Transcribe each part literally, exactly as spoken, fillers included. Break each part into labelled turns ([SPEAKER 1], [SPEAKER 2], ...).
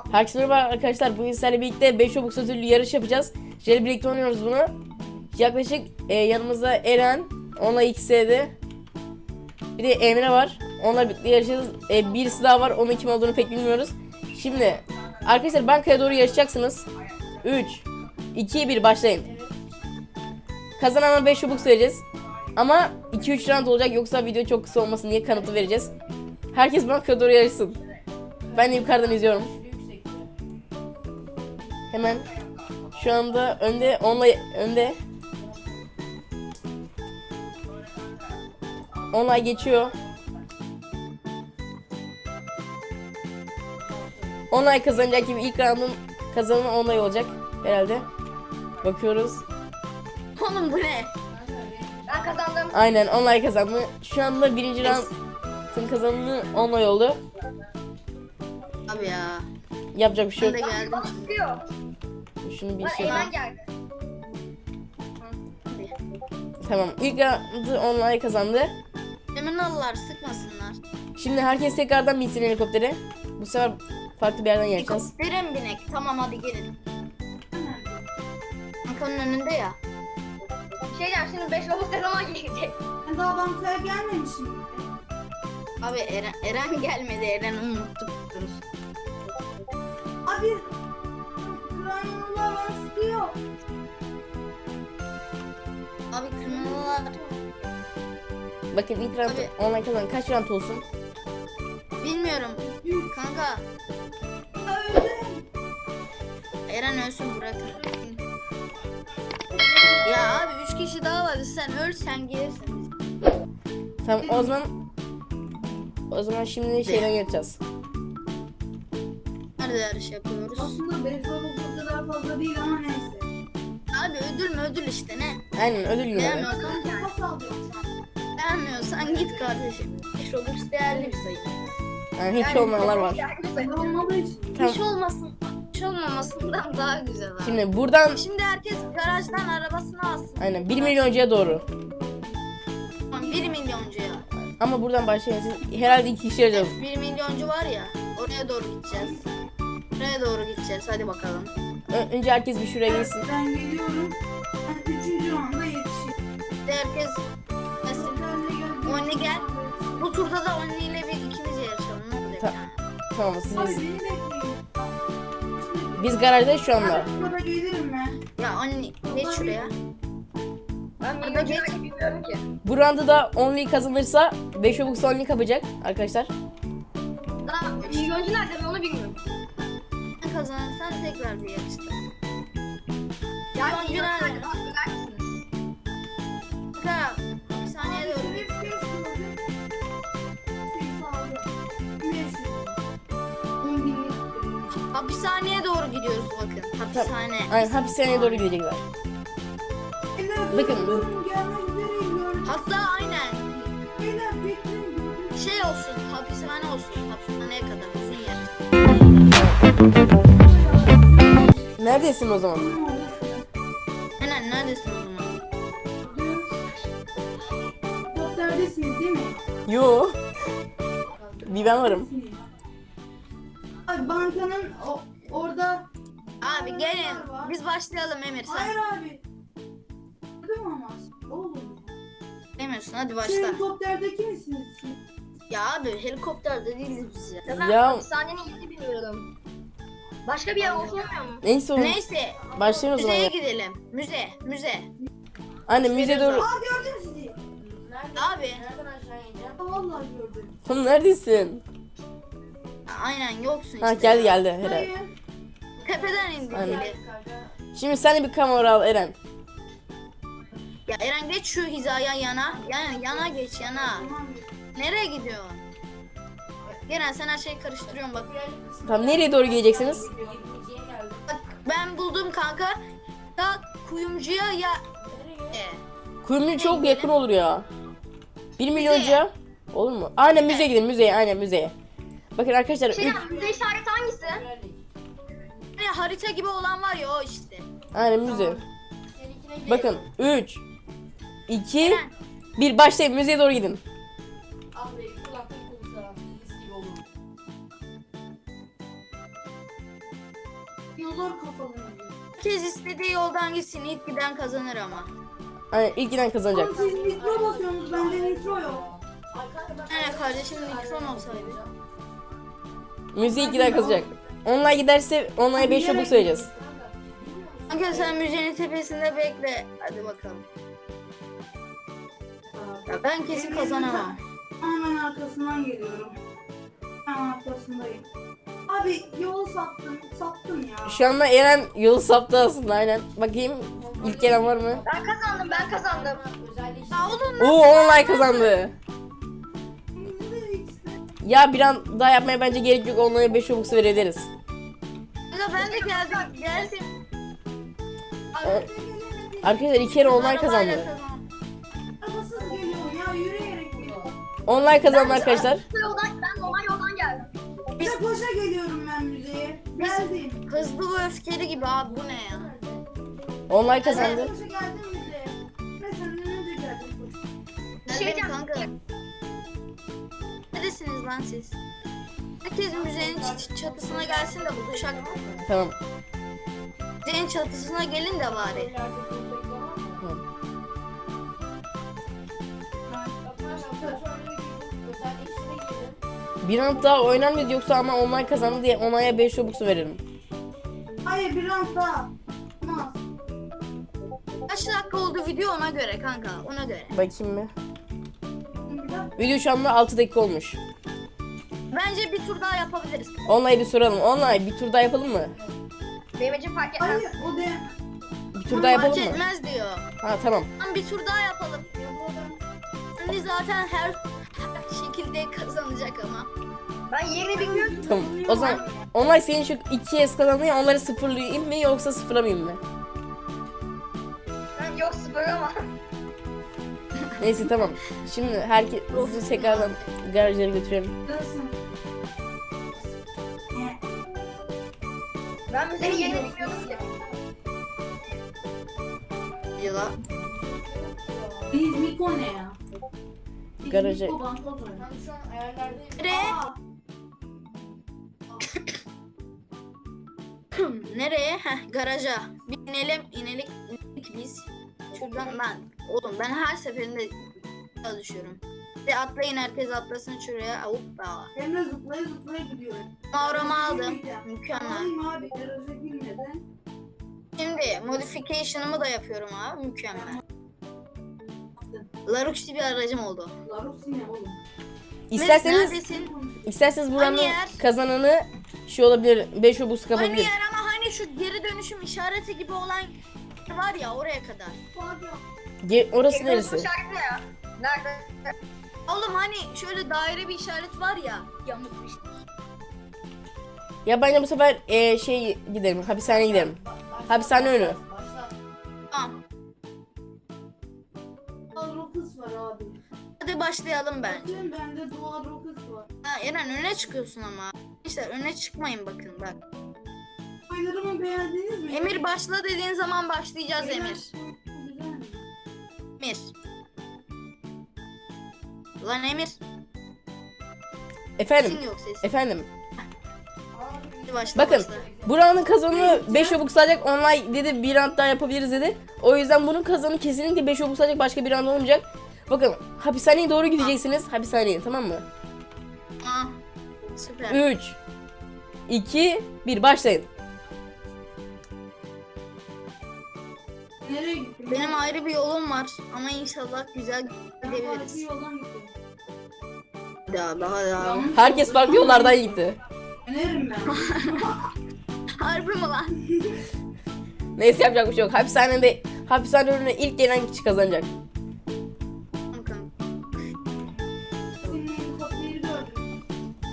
[SPEAKER 1] Herkese merhaba arkadaşlar. Bugün sizlerle birlikte beş Robux ödüllü yarış yapacağız. Şöyle birlikte oynuyoruz bunu. Yaklaşık e, yanımızda Eren, onunla X'de. Bir de Emre var. Onunla birlikte yarışacağız. E, birisi daha var. Onun kim olduğunu pek bilmiyoruz. Şimdi arkadaşlar bankaya doğru yarışacaksınız. üç, iki, bir başlayın. Kazanana beş Robux vereceğiz. Ama iki üç round olacak, yoksa video çok kısa olmasın diye kanıtı vereceğiz. Herkes bankaya doğru yarışsın. Ben de yukarıdan izliyorum. Hemen şu anda önde, onunla önde. Onunla geçiyor. Online kazanacak gibi, ilk round'un kazananı online olacak herhalde. Bakıyoruz.
[SPEAKER 2] Oğlum bu ne?
[SPEAKER 3] Ben kazandım.
[SPEAKER 1] Aynen, online kazandı. Şu anda birinci round'un kazananı online oldu.
[SPEAKER 2] Abi ya.
[SPEAKER 1] Yapacak bir şey
[SPEAKER 2] Ben de
[SPEAKER 1] yok.
[SPEAKER 2] geldim.
[SPEAKER 3] Çıkıyor.
[SPEAKER 1] Şunu bir
[SPEAKER 3] Lan
[SPEAKER 1] şey.
[SPEAKER 3] Eymen geldi.
[SPEAKER 1] Tamam. İlk round'u online kazandı.
[SPEAKER 2] Hemen alırlar, sıkmasınlar.
[SPEAKER 1] Şimdi herkes tekrardan binsin helikoptere. Bu sefer farklı bir yerden yarışacağız.
[SPEAKER 2] Helikoptere mi binek? Tamam hadi gelin. Bankanın önünde ya.
[SPEAKER 3] Şey diyeceğim, şimdi beş Robux ne zaman gelecek?
[SPEAKER 4] Ben daha bankaya gelmemişim.
[SPEAKER 2] Abi Eren, Eren gelmedi. Eren'i unuttuk.
[SPEAKER 4] Abi kranyolar bana sıkıyor.
[SPEAKER 2] Abi kırmızılar.
[SPEAKER 1] Bakın ilk round
[SPEAKER 2] Tabii.
[SPEAKER 1] online kazanan kaç round olsun?
[SPEAKER 2] Bilmiyorum. Kanka
[SPEAKER 4] Öldüm.
[SPEAKER 2] Eren ölsün, bırakın. Ya abi üç kişi daha var. Sen öl, sen gelirsin.
[SPEAKER 1] Tamam, o zaman o zaman şimdi şeyden yarışacağız.
[SPEAKER 2] Nerede yarış yapıyoruz?
[SPEAKER 4] Aslında beş Robux o kadar fazla değil ama neyse.
[SPEAKER 2] Abi ödül mü ödül işte ne?
[SPEAKER 1] Aynen, ödül günü.
[SPEAKER 2] Beğenmiyorsan,
[SPEAKER 4] Ben kafa sallıyorum şu an.
[SPEAKER 2] beğenmiyorsan git kardeşim. beş Robux değerli bir sayı.
[SPEAKER 1] Yani hiç olmayanlar var.
[SPEAKER 4] Ben olmadığı için.
[SPEAKER 1] Tamam.
[SPEAKER 2] Hiç olmasın, hiç olmamasından daha güzel abi. Şimdi,
[SPEAKER 1] Şimdi buradan
[SPEAKER 2] herkes garajdan arabasını alsın.
[SPEAKER 1] aynen bir milyoncuya doğru.
[SPEAKER 2] Tamam, bir milyoncuya.
[SPEAKER 1] Ama buradan başlayacağız. Herhalde iki kişi yarayacağız.
[SPEAKER 2] bir milyoncu var ya, oraya doğru gideceğiz. Oraya doğru gideceğiz, hadi bakalım.
[SPEAKER 1] Ö- önce herkes bir şuraya gelsin.
[SPEAKER 4] Ben geliyorum. Ben üçüncü anda yetişiyorum.
[SPEAKER 2] Şimdi herkes mesela Only gel. Bu turda da Only ile bir ikimiz yarışalım. Ne olacak
[SPEAKER 1] Ta-
[SPEAKER 2] yani?
[SPEAKER 1] Tamam, siz
[SPEAKER 4] Abi beni bekleyin.
[SPEAKER 1] biz garajdayız şu anda.
[SPEAKER 4] Burada gelirim ben.
[SPEAKER 2] Ya Only geç şuraya.
[SPEAKER 3] Ben milyoncuya bilmiyorum ki.
[SPEAKER 1] Bu round'u da only kazanırsa beş Robux only kapacak arkadaşlar.
[SPEAKER 3] Daha milyoncu nerede ben onu bilmiyorum.
[SPEAKER 2] Sen kazanırsan tekrar bir yarışta.
[SPEAKER 3] Yani
[SPEAKER 2] Milyoncu
[SPEAKER 3] milyoncu
[SPEAKER 2] nerede?
[SPEAKER 3] nerede? Bak, söyler misiniz?
[SPEAKER 2] Kanka, bir saniye doğru git. Hapishaneye doğru gidiyoruz bakın. Hapishane.
[SPEAKER 1] Aynen, hapishaneye doğru gidecekler. Bakın.
[SPEAKER 2] Hatta aynen şey olsun, hapishane olsun. Hapishaneye kadar uzun yer.
[SPEAKER 1] Neredesin o zaman?
[SPEAKER 2] Aynen, neredesin o zaman?
[SPEAKER 4] Helikopterdesiniz değil mi?
[SPEAKER 1] Yo. Bir ben varım.
[SPEAKER 4] Abi bankanın o, orada...
[SPEAKER 2] Abi gelin. Biz başlayalım Emir, sen.
[SPEAKER 4] Hayır abi. Değil mi ama? Oğlum.
[SPEAKER 2] Demiyorsun, hadi
[SPEAKER 4] Siz
[SPEAKER 2] başla.
[SPEAKER 4] helikopterdeki misiniz?
[SPEAKER 2] Ya abi helikopterde değiliz biz ya.
[SPEAKER 3] Ya ben
[SPEAKER 1] Ya-
[SPEAKER 3] hapishanenin yerini bilmiyorum. Başka bir yer olsun olmuyor mu?
[SPEAKER 1] Neyse oğlum.
[SPEAKER 2] Neyse,
[SPEAKER 1] Başlayın o zaman.
[SPEAKER 2] müzeye
[SPEAKER 1] ya.
[SPEAKER 2] gidelim. Müze, müze.
[SPEAKER 1] Anne müze doğru.
[SPEAKER 4] Aa gördüm sizi.
[SPEAKER 2] Abi,
[SPEAKER 4] Aa, vallahi gördüm.
[SPEAKER 1] Oğlum neredesin?
[SPEAKER 2] aynen yoksun işte.
[SPEAKER 1] Ha, geldi geldi herhalde.
[SPEAKER 4] Hayır.
[SPEAKER 2] Tepeden indik
[SPEAKER 1] Aynen.
[SPEAKER 2] hele.
[SPEAKER 1] Şimdi sen de bir kamera al Eren.
[SPEAKER 2] Ya Eren geç şu hizaya yana. Yani yana geç yana.
[SPEAKER 4] Tamam.
[SPEAKER 2] Nereye gidiyorsun? Eren sen her şeyi karıştırıyorsun bak.
[SPEAKER 1] Tamam, nereye doğru gideceksiniz?
[SPEAKER 2] Bak ben buldum kanka. Ya kuyumcuya ya... E,
[SPEAKER 1] Kuyumcu çok yakın olur ya. Bir milyoncuya. Olur mu? Aynen müzeye gidin, müzeye, aynen müzeye. Bakın arkadaşlar,
[SPEAKER 3] Şey
[SPEAKER 1] üç,
[SPEAKER 3] diyeceğim, müze işareti hangisi?
[SPEAKER 2] hani harita gibi olan var ya o işte.
[SPEAKER 1] aynen müze. Bakın üç, iki,
[SPEAKER 2] Eren.
[SPEAKER 1] bir başlayın, müzeye doğru gidin.
[SPEAKER 4] Dinozor kafalı müziği.
[SPEAKER 2] Herkes istediği yoldan gitsin. İlk giden kazanır ama.
[SPEAKER 1] Aynen ilk giden kazanacak.
[SPEAKER 4] Ama siz nitro basıyorsunuz, bende nitro yok.
[SPEAKER 2] Yani kardeşim mikron olsaydı.
[SPEAKER 1] Müziği ilk giden kazanacak. Onlar giderse onlara beş çubuk söyleyeceğiz.
[SPEAKER 2] Kanka sen müzenin tepesinde bekle. Hadi bakalım. Ya ben kesin kazanamam.
[SPEAKER 4] Hemen arkasından geliyorum. Hemen arkasındayım. Abi yolu sattım, sattım ya.
[SPEAKER 1] Şu anda Eren yolu saptı aslında aynen. Bakayım ilk gelen var mı?
[SPEAKER 3] Ben kazandım ben kazandım.
[SPEAKER 2] Ya oğlum
[SPEAKER 1] Oo online kazandı. Ya bir an daha yapmaya bence gerek yok. Onlara beş çubuk verebiliriz.
[SPEAKER 2] ya ben de geldim. Geldim.
[SPEAKER 1] Arkadaşlar iki kere online
[SPEAKER 2] Arabayla
[SPEAKER 1] kazandı.
[SPEAKER 2] kazandım.
[SPEAKER 4] Arabasız geliyorum ya, yürüyerek geliyorum.
[SPEAKER 1] Online kazandı arkadaşlar.
[SPEAKER 3] Bu yoldan, ben normal yoldan geldim.
[SPEAKER 4] Bir de koşa geliyorum ben müzeye. Geldim.
[SPEAKER 2] Hızlı ve öfkeli gibi abi bu ne ya?
[SPEAKER 1] Online
[SPEAKER 4] Ben
[SPEAKER 1] kazandı.
[SPEAKER 4] koşa geldim müzeye. Ben senden önce geldim koşa.
[SPEAKER 2] Geldim
[SPEAKER 3] diyeceğim.
[SPEAKER 2] kanka. Neredesiniz lan siz? Herkes müzenin ç- çatısına gelsin de buluşak.
[SPEAKER 1] Tamam.
[SPEAKER 2] Müzenin çatısına gelin de bari.
[SPEAKER 1] Bir an daha oynar mıydı yoksa ama online kazandı diye onaya beş çubuk veririm.
[SPEAKER 4] Hayır, bir an daha. Olmaz.
[SPEAKER 2] Kaç dakika oldu video ona göre kanka ona göre.
[SPEAKER 1] Bakayım mı?
[SPEAKER 4] Bir dakika.
[SPEAKER 1] Video şu anda altı dakika olmuş.
[SPEAKER 2] Bence bir tur daha yapabiliriz.
[SPEAKER 1] Online'ı bir soralım. Online bir tur daha yapalım mı?
[SPEAKER 3] Benim için fark etmez.
[SPEAKER 4] Hayır, o de.
[SPEAKER 1] Bir tur daha
[SPEAKER 2] Fark
[SPEAKER 1] yapalım mı?
[SPEAKER 2] etmez diyor.
[SPEAKER 1] Ha tamam.
[SPEAKER 2] Tamam bir tur daha yapalım. Şimdi zaten her şekilde kazanacak ama.
[SPEAKER 3] Ben yerini bilmiyorum.
[SPEAKER 1] Tamam. O zaman online senin şu iki es kazandı ya onları sıfırlayayım mı yoksa sıfırlamayayım mı?
[SPEAKER 3] Ben yok sıfır ama.
[SPEAKER 1] Neyse tamam. Şimdi herkes sizi tekrardan garajlara götürelim.
[SPEAKER 4] Nasılsın?
[SPEAKER 3] Ben müzenin yerini bilmiyorum ki.
[SPEAKER 2] Yıla.
[SPEAKER 4] Biz Miko ne ya? Biz
[SPEAKER 1] Garaja-
[SPEAKER 4] Miko bankoz oynuyor.
[SPEAKER 2] Nereye?
[SPEAKER 4] Aa,
[SPEAKER 2] Nereye? Heh, garaja. Bir inelim, inelim inelim biz. Şuradan ben, oğlum ben her seferinde çalışıyorum. Bir atlayın herkes atlasın şuraya. Hoppa.
[SPEAKER 4] Emre zıplaya zıplaya gidiyor.
[SPEAKER 2] Mağaramı aldım.
[SPEAKER 4] Girmeyeceğim.
[SPEAKER 2] Mükemmel.
[SPEAKER 4] Alayım abi, garaja girmeden.
[SPEAKER 2] Şimdi modification'ımı da yapıyorum abi. Mükemmel. Laruxi bir aracım oldu.
[SPEAKER 4] Larusi ne oğlum?
[SPEAKER 1] İsterseniz
[SPEAKER 2] Neredesin?
[SPEAKER 1] isterseniz buranın
[SPEAKER 2] Hani yer?
[SPEAKER 1] kazananı şey olabilir. beş obus
[SPEAKER 2] Hani
[SPEAKER 1] kapabilir.
[SPEAKER 2] yer ama hani şu geri dönüşüm işareti gibi olan var ya oraya kadar.
[SPEAKER 1] Ge- orası
[SPEAKER 3] Ekranın
[SPEAKER 1] neresi?
[SPEAKER 3] işareti ne ya? Nerede?
[SPEAKER 2] Oğlum hani şöyle daire bir işaret var ya. Yamuk bir şey.
[SPEAKER 1] Ya bence bu sefer e, şey gidelim. Hapishaneye gidelim. Hapishane önü.
[SPEAKER 2] Tamam.
[SPEAKER 4] Dual Rockets var abi.
[SPEAKER 2] Hadi başlayalım bence.
[SPEAKER 4] Bakın bende Dual Rockets var.
[SPEAKER 2] Ha, Eren öne çıkıyorsun ama. İşte öne çıkmayın bakın bak.
[SPEAKER 4] Oyunlarımı beğendiniz mi?
[SPEAKER 2] Emir başla dediğin zaman başlayacağız
[SPEAKER 4] Beyler,
[SPEAKER 2] Emir.
[SPEAKER 4] Güzel mi?
[SPEAKER 2] Emir. Lan Emir.
[SPEAKER 1] Efendim.
[SPEAKER 2] Sesin yok ses.
[SPEAKER 1] Efendim.
[SPEAKER 2] Hadi başla
[SPEAKER 1] Bakın.
[SPEAKER 2] başla.
[SPEAKER 1] Buranın kazanı beş obuk sadece online dedi. Bir round daha yapabiliriz dedi. O yüzden bunun kazanı kesinlikle beş obuk sadece başka bir round olmayacak. Bakın hapishaneye doğru gideceksiniz. Hapishaneye tamam mı?
[SPEAKER 2] Aa, süper.
[SPEAKER 1] üç iki bir başlayın.
[SPEAKER 4] Nereye gittin?
[SPEAKER 2] Benim ayrı bir yolum var ama inşallah güzel
[SPEAKER 4] Ben farklı
[SPEAKER 2] gidebiliriz.
[SPEAKER 4] yoldan gittim.
[SPEAKER 2] Daha daha daha.
[SPEAKER 4] Yanlış
[SPEAKER 1] Herkes
[SPEAKER 4] yoldan
[SPEAKER 1] farklı yollardan gitti.
[SPEAKER 4] Önerim ben.
[SPEAKER 2] Harbi mi lan?
[SPEAKER 1] Neyse yapacak bir şey yok. Hapishanede hapishane önüne ilk gelen kişi kazanacak.
[SPEAKER 2] Bakalım.
[SPEAKER 4] Senin helikopteri gördüm.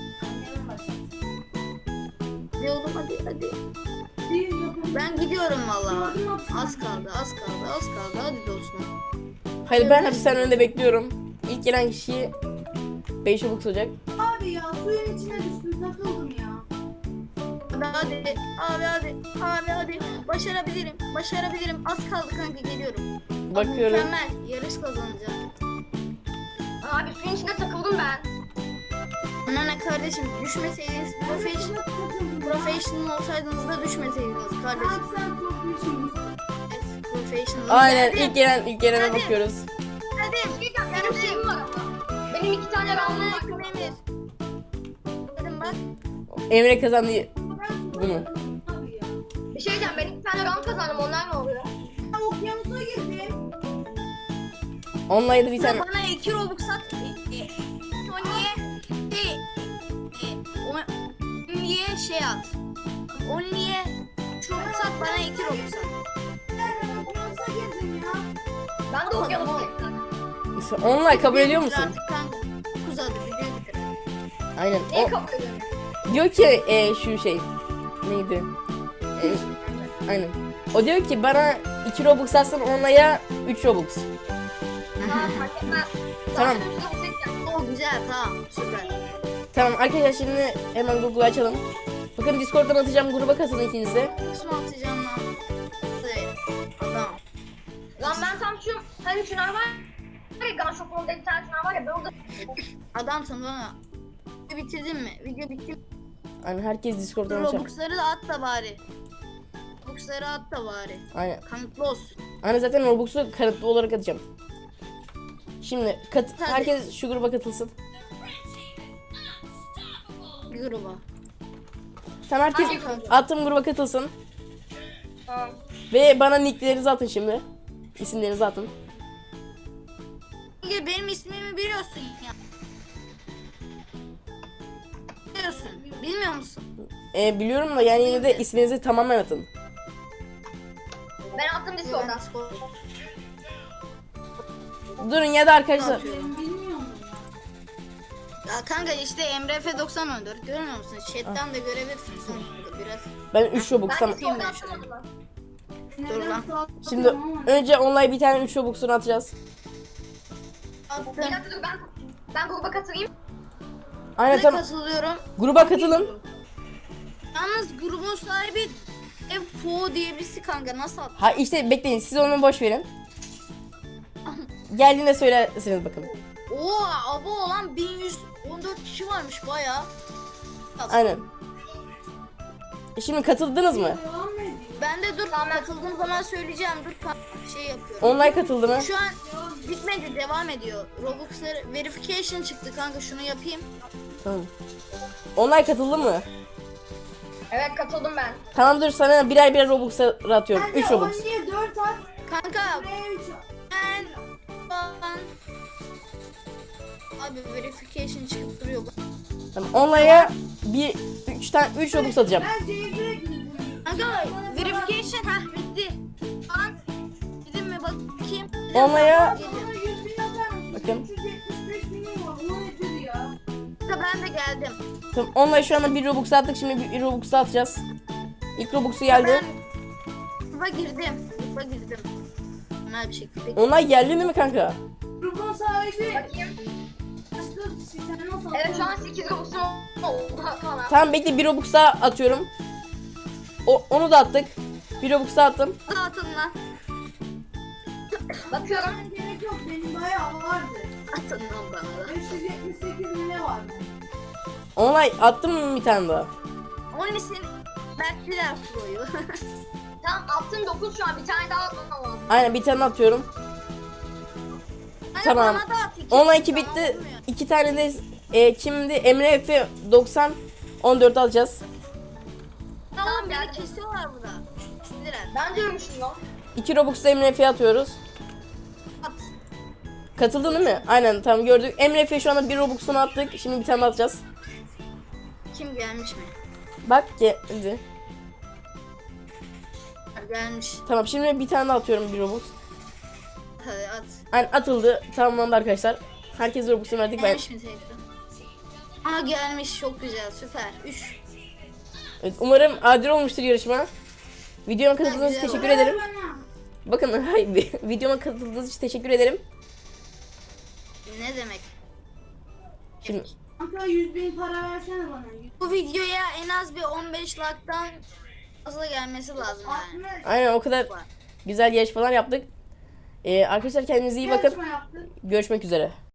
[SPEAKER 2] Hadi oğlum hadi hadi.
[SPEAKER 4] Bir yapalım.
[SPEAKER 2] Ben gidiyorum valla.
[SPEAKER 4] Gördüm hapishane.
[SPEAKER 2] Az kaldı az kaldı az kaldı hadi dostum.
[SPEAKER 1] Hayır ben hapishane önünde bekliyorum. İlk gelen kişiyi beş obuk olacak.
[SPEAKER 4] Abi ya suyun içine düştüm, takıldım ya.
[SPEAKER 2] Hadi hadi abi hadi abi hadi başarabilirim başarabilirim az kaldı kanka geliyorum.
[SPEAKER 1] Bakıyorum.
[SPEAKER 2] Mükemmel yarış kazanacağım.
[SPEAKER 3] Abi suyun içine takıldım ben.
[SPEAKER 2] Bana ne kardeşim, düşmeseydiniz professional, professional olsaydınız da düşmeseydiniz kardeşim.
[SPEAKER 4] Abi sen profesyonelsin.
[SPEAKER 2] Evet, professional.
[SPEAKER 1] Aynen
[SPEAKER 2] Geldim.
[SPEAKER 1] ilk gelen ilk gelene
[SPEAKER 2] Hadi.
[SPEAKER 1] bakıyoruz.
[SPEAKER 2] Hadi.
[SPEAKER 3] Benim şeyim var ama. Benim iki tane roundum var.
[SPEAKER 2] Anladım Emir. Dedim bak.
[SPEAKER 1] Emre kazandı bunu.
[SPEAKER 4] Abi ya.
[SPEAKER 3] Bir şey diyeceğim, ben iki tane round kazandım, onlar ne oluyor?
[SPEAKER 4] Ben okyanusa girdim.
[SPEAKER 1] Online'da bir tane.
[SPEAKER 2] Bana iki Robux at. E, e, Only'e şey, e, o- Only'e şey at. Only'e üç Robux at, bana iki Robux at.
[SPEAKER 4] Ben okyanusa girdim ya.
[SPEAKER 3] Ben de okyanustayım.
[SPEAKER 1] Online kabul ediyor musun?
[SPEAKER 2] Artık kanka. Uzadı, video bitirelim.
[SPEAKER 1] Aynen.
[SPEAKER 3] Neyi
[SPEAKER 1] O
[SPEAKER 3] kabul ediyorum?
[SPEAKER 1] diyor ki e, şu şey neydi? E, aynen. O diyor ki bana iki Robux atsan online'a üç Robux.
[SPEAKER 3] Aa, fark etmez.
[SPEAKER 1] Tamam.
[SPEAKER 3] Zaten üçte seçeceğim.
[SPEAKER 2] O güzel, tamam, süper.
[SPEAKER 1] Tamam arkadaşlar şimdi hemen Google'u açalım. Bakın Discord'dan atacağım, gruba katılın ikiniz de.
[SPEAKER 2] Nasıl atacağım lan? Hadi, adam.
[SPEAKER 3] Lan ben tam şu, hani şunlar var ya, Gun Shop'un bir tane şunlar var ya, ben orada...
[SPEAKER 2] Adamsın bana. Video bitirdin mi? Video bitti mi?
[SPEAKER 1] Aynen herkes Discord'dan atacak.
[SPEAKER 2] Robux'ları da at da bari. Robux'ları at da bari.
[SPEAKER 1] Aynen.
[SPEAKER 2] Kanıtlı olsun.
[SPEAKER 1] Aynen zaten Robux'u kanıtlı olarak atacağım. Şimdi kat
[SPEAKER 2] Hadi.
[SPEAKER 1] herkes şu gruba katılsın.
[SPEAKER 2] Bir gruba.
[SPEAKER 1] Tamam herkes
[SPEAKER 3] Hangi gruba?
[SPEAKER 1] attığım gruba katılsın.
[SPEAKER 3] Tamam.
[SPEAKER 1] Ve bana nicklerinizi atın şimdi. İsimlerinizi atın.
[SPEAKER 2] Çünkü benim ismimi biliyorsun ya. Biliyorsun. Bilmiyor musun?
[SPEAKER 1] E, biliyorum da yani yine de isminizi tamamen atın.
[SPEAKER 3] Ben attım Discord'dan.
[SPEAKER 2] Ben Discord-
[SPEAKER 1] Durun ya da arkadaşlar.
[SPEAKER 2] atıyorum.
[SPEAKER 4] Ben bilmiyorum ya.
[SPEAKER 2] Ya kanka işte Emre F doksan on dört görmüyor musun? Chat'ten de görebilirsin kanka biraz.
[SPEAKER 1] Ben üç Robux
[SPEAKER 3] Ben
[SPEAKER 1] tamam.
[SPEAKER 3] Discord'dan
[SPEAKER 2] ben şunu.
[SPEAKER 3] atamadım.
[SPEAKER 2] Dur lan.
[SPEAKER 1] Şimdi önce online bir tane üç Robux'unu atacağız.
[SPEAKER 3] Bir
[SPEAKER 2] Attım.
[SPEAKER 3] dakika dur, ben, ben gruba katılayım.
[SPEAKER 1] Aynen
[SPEAKER 2] Ne
[SPEAKER 1] tamam.
[SPEAKER 2] katılıyorum.
[SPEAKER 1] Gruba katılın.
[SPEAKER 2] Yalnız grubun sahibi F O diye birisi kanka, nasıl attı?
[SPEAKER 1] Ha işte bekleyin siz onu boş verin. Geldiğinde söylersiniz bakın.
[SPEAKER 2] Oo abo olan bin yüz on dört kişi varmış baya.
[SPEAKER 1] Aynen. E şimdi katıldınız mı?
[SPEAKER 4] Devam ediyor.
[SPEAKER 2] Ben de dur katıldığım zaman söyleyeceğim, dur kanka, şey yapıyorum.
[SPEAKER 1] Online katıldı mı?
[SPEAKER 2] Şu an bitmedi, devam ediyor. Robux'ları verification çıktı kanka, şunu yapayım.
[SPEAKER 1] Tamam. Online katıldı mı?
[SPEAKER 3] Evet, katıldım ben.
[SPEAKER 1] Tamam dur sana birer birer Robux atıyorum.
[SPEAKER 4] Hadi
[SPEAKER 1] üç Robux.
[SPEAKER 4] Only'e dört at.
[SPEAKER 2] Kanka
[SPEAKER 4] Buraya üç at.
[SPEAKER 2] ben ben abi verification çıkıp duruyor.
[SPEAKER 1] Tamam online'a bir üç tane üç Robux atacağım.
[SPEAKER 4] Ben jailbreak mi
[SPEAKER 2] Kanka verification ha bitti. An gidin mi bakayım?
[SPEAKER 1] Online'a
[SPEAKER 2] Gidin.
[SPEAKER 4] Bana yüz bin atar mısın?
[SPEAKER 1] Bakın.
[SPEAKER 4] üç yüz yetmiş beş binim var. Bu nedir ya?
[SPEAKER 2] Kanka ben de geldim.
[SPEAKER 1] tamam online şu anda bir Robux attık şimdi bir Robux atacağız. İlk Robux'u geldi.
[SPEAKER 2] Ben gruba girdim. Gruba girdim. Normal bir şekilde.
[SPEAKER 1] Online geldi değil mi kanka?
[SPEAKER 4] Grubun sahibi.
[SPEAKER 3] Bakayım.
[SPEAKER 4] Başka sen nasıl
[SPEAKER 3] Evet, şu an sekiz Robus'um oldu falan.
[SPEAKER 1] Tamam bekle bir Robux daha atıyorum. O, onu da attık. Bir Robux daha attım.
[SPEAKER 2] Atın lan.
[SPEAKER 3] Bakıyorum.
[SPEAKER 4] Ben gerek yok. Benim bayağı vardı.
[SPEAKER 2] Atın lan bana da.
[SPEAKER 4] beş yüz yetmiş sekiz mi ne vardı?
[SPEAKER 1] Online attım mı bir tane daha?
[SPEAKER 2] Onun için Berkliler Pro'yu.
[SPEAKER 3] Tamam, attım dokuz şu an. Bir tane daha atmam lazım.
[SPEAKER 1] Aynen bir tane atıyorum.
[SPEAKER 2] Hani
[SPEAKER 1] Tamam.
[SPEAKER 2] bana da at iki.
[SPEAKER 1] Online iki
[SPEAKER 2] Tamam,
[SPEAKER 1] bitti.
[SPEAKER 2] olmuyor.
[SPEAKER 1] İki tane de e, kimdi? Emre F doksan on dört alacağız.
[SPEAKER 2] Tamam beni
[SPEAKER 3] geldim.
[SPEAKER 2] kesiyorlar burada. Kestiler.
[SPEAKER 3] Ben diyormuşum lan.
[SPEAKER 1] iki Robux da Emre F'ye atıyoruz.
[SPEAKER 2] At.
[SPEAKER 1] Katıldın değil mi? Aynen tamam gördük. Emre F şu anda bir Robux'unu attık. Şimdi bir tane daha atacağız.
[SPEAKER 2] Kim gelmiş mi?
[SPEAKER 1] Bak geldi.
[SPEAKER 2] Gelmiş.
[SPEAKER 1] Tamam şimdi bir tane daha atıyorum bir Robux.
[SPEAKER 2] Hadi at.
[SPEAKER 1] Aynen atıldı. Tamamlandı arkadaşlar. Herkes Robux'unu verdik. Ben...
[SPEAKER 2] Gelmiş mi tekrar? Aa gelmiş, çok güzel, süper. üç.
[SPEAKER 1] Evet, umarım adil olmuştur yarışma. Videoma katıldığınız için
[SPEAKER 2] güzel
[SPEAKER 1] teşekkür
[SPEAKER 2] oldu.
[SPEAKER 1] ederim.
[SPEAKER 4] Bana.
[SPEAKER 1] Bakın hayır, videoma katıldığınız için teşekkür ederim.
[SPEAKER 2] Ne demek?
[SPEAKER 1] Şimdi
[SPEAKER 4] Kanka yüz bin para versene bana.
[SPEAKER 2] Bu videoya en az bir on beş like'tan fazla gelmesi lazım yani.
[SPEAKER 4] altmış.
[SPEAKER 1] aynen o kadar güzel yarışmalar yaptık. Ee, arkadaşlar kendinize iyi bakın.
[SPEAKER 4] Yarışma yaptın.
[SPEAKER 1] Görüşmek üzere.